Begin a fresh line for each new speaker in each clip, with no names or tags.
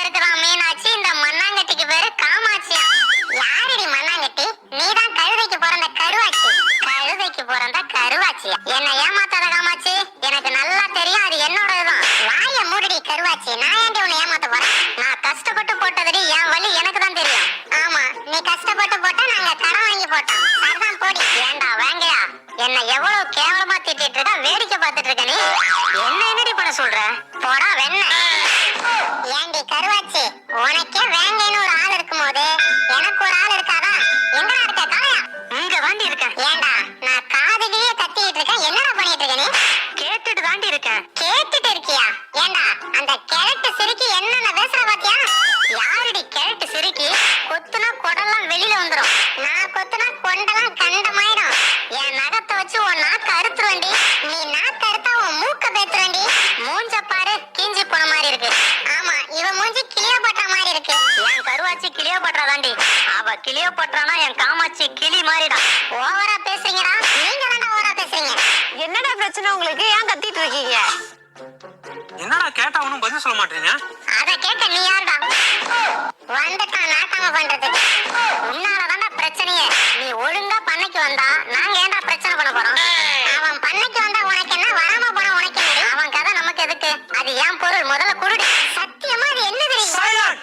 இருக்கிறான் மீனாட்சி, இந்த மண்ணாங்கட்டிக்கு பேரு காமாட்சியா. யாரடி மண்ணாங்கட்டி? நீதான் கழுதைக்கு பிறந்த கருவாச்சி. கழுதைக்கு பிறந்த கருவாச்சியா? என்ன ஏமாத்தாத காமாட்சி, எனக்கு நல்லா தெரியும் அது என்னோடதுதான். வாய மூடிடி கருவாச்சி, நான் ஏன்டி உன்னை ஏமாத்த போறேன்? நான் கஷ்டப்பட்டு போட்டதுடி, என் வலி எனக்கு தான் தெரியும். ஆமா, நீ கஷ்டப்பட்டு போட்டா நாங்க கடன் வாங்கி போட்டோம். சரிதான் போடி. ஏண்டா வேங்கயா, என்ன எவ்வளவு கேவலமா திட்டிட்டு இருக்க, வேடிக்கை பார்த்துட்டு இருக்க நீ. என்ன என்னடி பண்ண சொல்ற? போடா வெண்ண. ஏண்டி கருவாச்சி, உனக்கே வேங்கைன்னு ஒரு ஆள் இருக்கும் போது எனக்கு ஒரு ஆள் இருக்காதா? எங்கடா இருக்க காளையா? இங்க தாண்டி இருக்கேன். ஏண்டா நான் காதுலயே கத்திட்டு இருக்கேன், என்னடா பண்ணிட்டு இருக்க நீ? கேட்டுட்டு தாண்டி இருக்கேன். கேட்டுட்டு இருக்கியா? ஏண்டா அந்த கிழட்டு சிரிக்கி என்னென்ன பேசுற பாத்தியா? யாருடி கிழட்டு சிரிக்கி? கொத்துனா கொடெல்லாம் வெளியில வந்துரும், நான் கொத்துனா கொண்டெல்லாம் கண்டமாயிடும். என் நகத்தை வச்சு உன் நாக்கு அறுத்துருவேண்டி. நீ நாக்கு அறுத்தா உன் மூக்க பேத்துறேண்டி. மூஞ்ச பாரு, கிஞ்சி போன மாதிரி இருக்கு. ஆமா, இவ மூஞ்சி கிளியோபாட்ரா மாதிரி இருக்கு. என் கருவாச்சி கிளியோபாட்ரா தாண்டி. அவ கிளியோபாட்ரானா என் காமாட்சி கிளி மாதிரிடா. ஓவரா பேசுறீங்கடா, நீங்க தான்டா ஓவரா பேசுறீங்க.
என்னடா பிரச்சனை உங்களுக்கு? ஏன் கத்திட்டு இருக்கீங்க?
என்னடா கேட்டா ஒண்ணும் பதில் சொல்ல மாட்டீங்க?
அத கேட்க நீ யாருடா? வந்துட்டான் நாட்டாம பண்றதுக்கு. உன்னாலதான்டா பிரச்சனையே. நீ ஒழுங்கா பண்ணைக்கு வந்தா நாங்க ஏன்டா பிரச்சனை பண்ண போறோம்? அவன் பண்ணைக்கு வந்தா உனக்கு என்ன, வராம போனா உனக்கு என்ன? அவன் கதை நமக்கு எதுக்கு? அது ஏன் பொருள், முதல்ல குடுடி. சத்தியமா அது என்ன தெரியும்?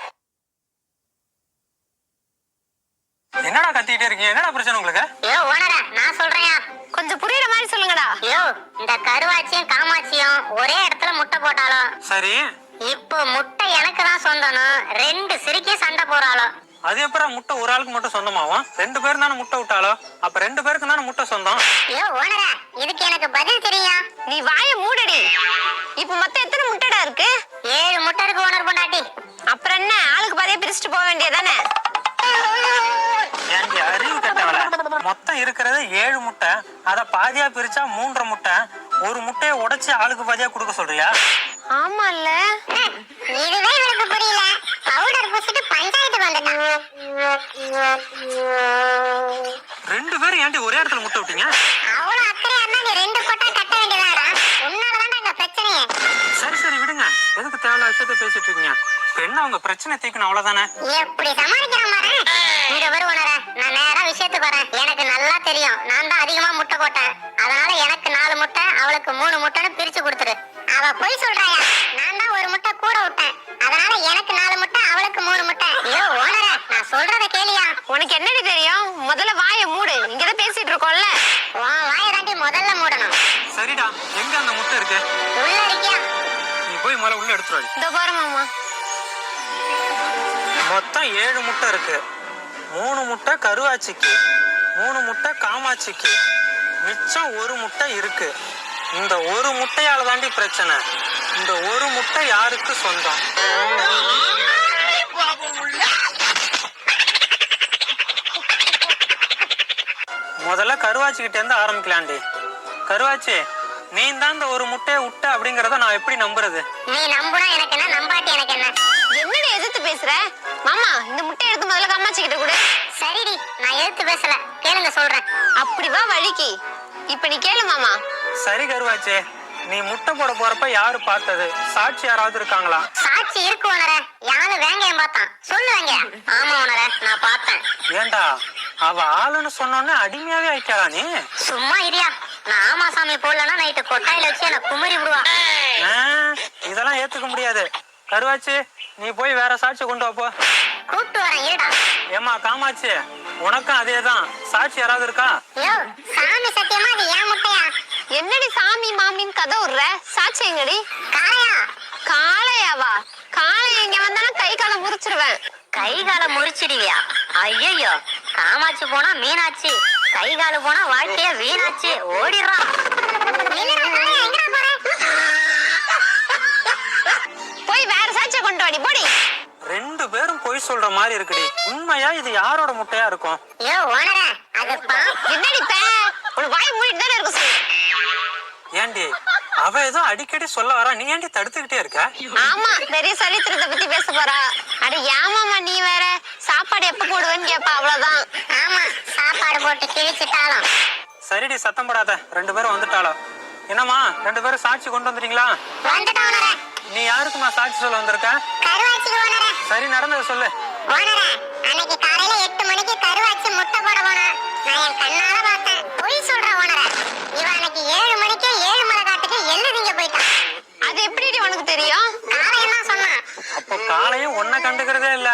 என்னடா கத்திட்டே இருக்கீங்க? என்னடா பிரச்சனை உங்களுக்கு?
ஐயோ ஓனரா, நான் சொல்றேன்,
கொஞ்சம் புரியுற மாதிரி சொல்லுங்கடா.
ஐயோ இந்த கருவாச்சியும் காமாட்சியும் ஒரே இடத்துல முட்டை போட்டாலும்
சரி,
இப்போ முட்டை எனக்கு தான் சொந்தனும் ரெண்டு சிரிக்கி சண்டை போறாளோ.
அது எப்பறம் முட்டை ஒரு ஆளுக்கு மட்டும் சொந்தமாவும்? ரெண்டு பேரும் தானே முட்டை விட்டாலோ, அப்ப ரெண்டு பேருக்கு தானே முட்டை சொந்தம்.
ஐயோ ஓனரா, இதுக்கு எனக்கு பதில் தெரியும்.
நீ வாய மூடடி. இப்ப மொத்தம் எத்தனை முட்டைடா இருக்கு?
7 முட்டை இருக்கு ஓனர் பொண்டாட்டி.
அப்புறம் என்ன, ஆளுக்கு பாதியா பிரிச்சுட்டு போக வேண்டியதானே?
ஏன்டி அறிவு கட்டவள, மொத்தம் இருக்கிறது 7 முட்டை, அத பாதியா பிரிச்சா 3.5 முட்டை. ஒரு முட்டையை உடைச்சு ஆளுக்கு பாதியா கொடுக்க சொல்றியா?
ஆமா இல்ல,
இதுவே இவளுக்கு புரியல. பவுடர் பூசிட்டு பஞ்சாயத்துக்கு வந்துட்டான்.
ரெண்டு பேரும் ஏன்டி ஒரே இடத்துல முட்டை விட்டீங்க?
அவ்வளவு அக்கறையா இருந்தா நீ 2 கொட்டா கட்ட வேண்டியதாடா. உன்னாலதான்டா இந்த பிரச்சனையே.
சரி சரி விடுங்க, எதுக்கு தேவையில்லாத விஷயத்த பேசிட்டு இருக்கீங்க? இப்ப என்ன உங்க பிரச்சனை தீக்கணும் அவ்வளவுதானே?
எப்படி சமாளிக்கிறான் பாரு. இங்க வருவனரே, நான் நேரா விஷயத்துக்கு வரேன். எனக்கு நல்லா தெரியும், நான் தான் அதிகமா முட்டை போட்டேன். அதனால எனக்கு 4 முட்டை, அவளுக்கு 3 முட்டைன்னு பிரிச்சு கொடுத்துரு. அவ பொய் சொல்றாயா? நான் தான் 1 முட்டை கூட விட்டேன். அதனால எனக்கு 4 முட்டை, அவளுக்கு 3 முட்டை. ஐயோ ஓனரே, நான் சொல்றத கேளியா?
உனக்கு என்னடி தெரியும்? முதல்ல வாய மூடு, இங்கதான் பேசிட்டு இருக்கோம்ல.
உன் வாயை தாண்டி முதல்ல மூடணும்.
சரிடா, எங்க அந்த முட்டை இருக்கு?
உள்ள இருக்கியா?
நீ போய் முதல்ல உள்ள எடுத்துரு.
இந்த பாரு மாமா,
மொத்தம் 7 முட்டை இருக்கு. 3 முட்டை கருவாச்சிக்கு, 3 முட்டை காமாட்சிக்கு, மிச்சம் 1 முட்டை இருக்கு. இந்த 1 முட்டையால தாண்டி பிரச்சனை. இந்த 1 முட்டை யாருக்கு சொந்தம்? முதல்ல கருவாச்சி கிட்ட இருந்து ஆரம்பிக்கலாண்டி. கருவாச்சி, நீ தான் இந்த 1 முட்டையை விட்ட அப்படிங்கறத நான் எப்படி நம்புறது?
நீ நம்புனா எனக்கு என்ன, நம்பாட்டி எனக்கு என்ன?
என்னடி எதிர்த்து பேசுற? மாமா, இந்த முட்டை எடுத்து முதல்ல காமாட்சி கிட்ட கொடு.
சரிடி, நான் எதிர்த்து பேசல, கேளுங்க சொல்றேன்.
அப்படி வா வழிக்கு. இப்ப நீ கேளு மாமா.
சரி கருவாச்சி, நீ முட்டை போட போறப்ப யாரு பார்த்தது? சாட்சி யாராவது இருக்காங்களா?
சாட்சி இருக்கு ஓனரே. யாரு வேங்கையம் பார்த்தான்? சொல்லு வேங்கையா. ஆமா ஓனரே, நான் பார்த்தேன்.
ஏண்டா, அவ ஆளுன்னு சொன்னோன்னே அடிமையாவே ஆயிட்டாளா நீ?
சும்மா இரியா, நான் ஆமா சாமி போடலன்னா நைட்டு கொட்டாயில வச்சு என்ன குமரி விடுவா.
இதெல்லாம் ஏத்துக்க முடியாது. கருவாச்சி, நீ போய் வேற சாட்சி கொண்டு வாப்போ.
கூப்பிட்டு வரேன் இருடா.
ஏமா காமாட்சி, உனக்கும் அதேதான். சாட்சி யாராவது இருக்கா?
யோ சாமி சத்தியமா அது ஏன் முட்டையா?
என்னடி சாமி மாமின்னு கதை விடுற? சாட்சி எங்கடி?
காளையா?
காளையாவா? காளை எங்க வந்தாலும் கை காலை முறிச்சிருவேன்.
கை காலை முறிச்சிடுவியா? ஐயோ, காமாட்சி போனா மீனாட்சி, கை காலு போனா வாழ்க்கைய வீணாச்சு. ஓடிடுறான்.
போய் வேற சாட்சியை கொண்டு வாடி போடி.
2 பேரும் பொய் சொல்ற மாதிரி இருக்குடி. உண்மையா இது யாரோட முட்டையா இருக்கும்?
யோ ஓனரே, அது
என்னடி பே, ஒரு வாய் மூடிட்டு தானே இருக்க சொல்லு.
ஏண்டி, அவ ஏதோ அடிக்கடி சொல்ல வரா, நீ ஏண்டி தடுத்துக்கிட்டே இருக்க?
ஆமா, பெரிய சரித்திரத்தை பத்தி பேச போறா. அட ஏமாமா, நீ வேற சாப்பாடு எப்ப போடுவேன்னு கேப்பா, அவ்வளவுதான்.
ஆமா, சாப்பாடு போட்டு கிழிச்சிட்டாலும்.
சரிடி, சத்தம் போடாத. 2 பேரும் வந்துட்டாளோ? என்னம்மா, 2 பேரும் சாட்சி கொண்டு வந்துட்டீங்களா?
வந்துட்டானே.
நீ யாருக்குமா சாட்சி சொல்ல வந்திருக்க?
கருவாச்சிக்கு ஓனரே.
சரி, நடந்ததை சொல்லு.
ஓனரே, அன்னைக்கு காலையில 8 மணிக்கு கருவாச்சி முட்டை போட போனா. நான் என் கண்ணால பார்த்தேன். பொய் சொல்ற ஓனரே. இவன் அன்னைக்கு 7 மணிக்கு ஏழுமலை காட்டுக்கு எள்ளு திங்க போயிட்டான்.
அது எப்படி உனக்கு தெரியும்?
காலையில தான் சொன்னான்.
அப்போ காலையும் ஒன்ன கண்டுக்கிறதே இல்ல.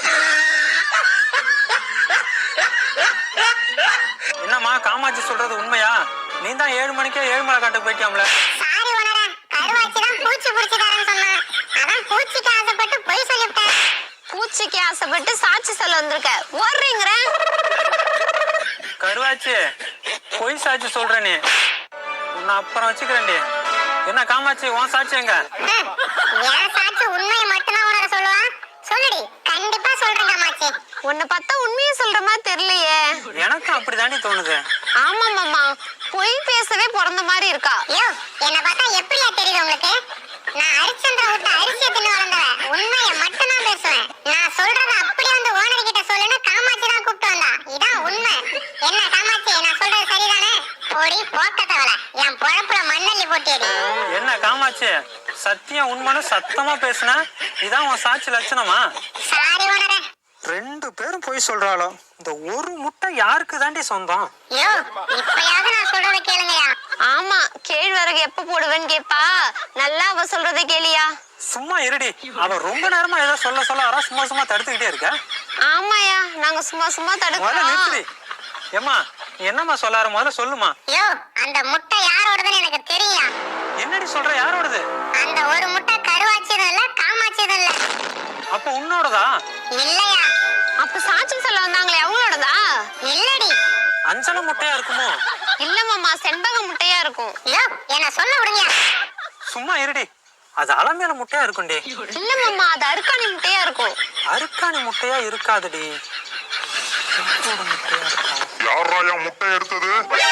என்னம்மா காமாட்சி சொல்றது உண்மையா? நீ தான் 7 மணிக்கே ஏழுமலை காட்டுக்கு போயிட்டியாம்ல?
சாரி ஓனரே, கருவாச்சி தான் பூச்சி பிடிச்சிட்டாருன்னு சொன்னான். அதான் பூச்சிக்கு ஆசைப்பட்டு பொய் சொல்லிவிட்டேன்.
பூச்சிக்கு ஆசைப்பட்டு சாட்சி சொல்ல வந்திருக்க, ஓடுறீங்கிற?
கருவாச்சி, பொய் சாட்சி சொல்ற நீ. உன்னை அப்புறம் வச்சுக்கிறேன்டி. என்ன காமாட்சி, உன் சாட்சி எங்க?
என் சாட்சி உண்மையை மட்டும்தான் ஓனரே சொல்லுவான். சொல்லுடி, கண்டிப்பா சொல்றேன் காமாட்சி.
உன்னை பார்த்தா உண்மையை சொல்ற மாதிரி தெரியலையே.
எனக்கும் அப்படிதாண்டி தோணுது.
ஆமா மாமா, பொய் பேசவே பிறந்த மாதிரி இருக்கா.
யோ, என்ன பார்த்தா எப்படியா தெரியுது உங்களுக்கு? நான் ஹரிச்சந்திர விட்டு அரிசியை தின்னு வளர்ந்தவன். உண்மையை மட்டும் தான் பேசுவேன். நான் சொல்றத அப்படியே வந்து ஓனர் கிட்ட சொல்லுன்னு காமாட்சி தான் கூப்பிட்டு வந்தா. இதான் உண்மை. என்ன காமாட்சி, நான் சொல்றது சரிதானே? போடி போக்கத்தவள, என் பொழப்புல மண்ணள்ளி போட்டியடி.
என்ன காமாட்சி, சத்தியம் உண்மைன்னு சத்தமா பேசுன? இதான் உன் சாட்சி லட்சணமா?
சாரி ஓனரே.
2 பேரும் பொய் சொல்றாளோ. இந்த ஒரு முட்டை யாருக்கு தாண்டி சொந்தம்?
யோ, இப்பயாவது நான் சொல்றத கேளுங்கயா.
ஆமா, கேழ்வரகு எப்ப போடுவேன்னு கேப்பா. நல்லா அவ சொல்றதை கேளியா.
சும்மா இருடி. அவ ரொம்ப நேரமா ஏதோ சொல்ல வர சும்மா தடுத்துக்கிட்டே இருக்க.
ஆமாயா, நாங்க சும்மா
முதல்ல
தடுக்கிறோம்.
நிறுத்துடி. ஏம்மா, நீ என்னம்மா சொல்லாரு, முதல்ல சொல்லுமா.
யோ, அந்த முட்டை யாரோடதுன்னு எனக்கு தெரியும்.
என்னடி சொல்ற, யாரோடது?
அந்த ஒரு முட்டை கருவாச்சியதும் இல்ல காமாட்சியதும் இல்ல.
அப்ப உன்னோடதா?
இல்லையா?
அப்ப சாட்சி சொல்ல வந்தாங்களே, அவங்களோடதா?
இல்லடி.
அஞ்சல முட்டையா இருக்குமோ?
இல்ல மாமா, செண்பக முட்டையா இருக்கும்.
யோ, என்ன சொல்ல விடுங்க.
சும்மா இருடி. அது அலமேல முட்டையா இருக்கும்டி.
இல்ல மாமா, அது அருக்காணி முட்டையா இருக்கும்.
அருக்காணி முட்டையா இருக்காதுடி. செம்போட முட்டையா இருக்கும்.
யாரா என் முட்டை எடுத்தது?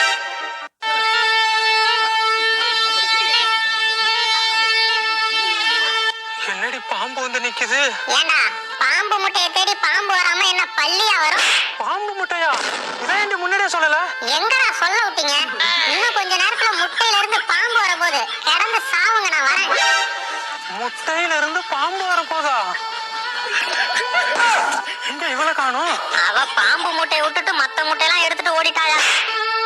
என்னடி பாம்பு வந்து நிக்குது?
ஏண்டா, பாம்பு முட்டையை தேடி பாம்பு வராம என்ன பள்ளியா வரும்?
பாம்பு முட்டையா? இதான் முன்னாடியே சொல்லல.
எங்கடா சொல்ல விட்டீங்க? இன்னும் கொஞ்ச நேரத்துல முட்டையில இருந்து பாம்பு வரப்போகுது. கிடந்து சாவுங்க, நான் வரேன்.
முட்டையில இருந்து பாம்பு வரப்போதா? எங்க இவளை காணோம்?
அவ பாம்பு முட்டையை விட்டுட்டு மத்த முட்டையெல்லாம் எடுத்துட்டு ஓடிட்டாளா?